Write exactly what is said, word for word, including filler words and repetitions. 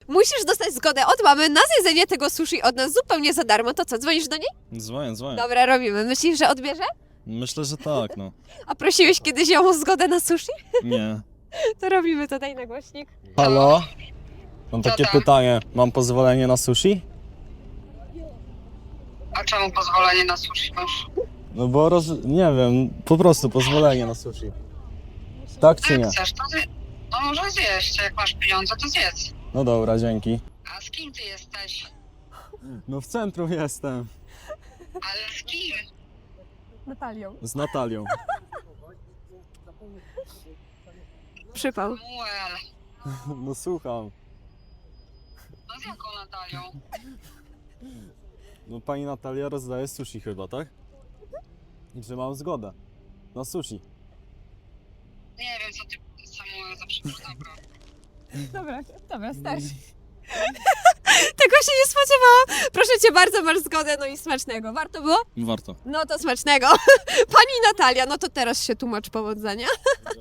musisz dostać zgodę od mamy na zjedzenie tego sushi od nas zupełnie za darmo. To co, dzwonisz do niej? Dzwonię, dzwonię. Dobra, robimy. Myślisz, że odbierze? Myślę, że tak, no. A prosiłeś kiedyś ją o zgodę na sushi? Nie. To robimy, to daj na głośnik. Halo? Mam Co takie tam? pytanie. Mam pozwolenie na sushi? A czemu pozwolenie na sushi masz? No bo roz... nie wiem, po prostu pozwolenie na sushi. Tak czy Jak nie? chcesz, to zje... No może zjeść, jak masz pieniądze, to zjedz. No dobra, dzięki. A z kim ty jesteś? No w centrum jestem. Ale z kim? Natalią. Z Natalią. Przypał. Samuel. No słucham. No z jaką Natalią? No pani Natalia rozdaje sushi chyba, tak? I że mam zgodę. Na sushi. Nie wiem, co ty, Samuel, za przypadek. Dobra, dobra, starszy. Tego się nie spodziewałam. Proszę cię bardzo, masz zgodę, no i smacznego. Warto było? Warto. No to smacznego. Pani Natalia, no to teraz się tłumacz powodzenia.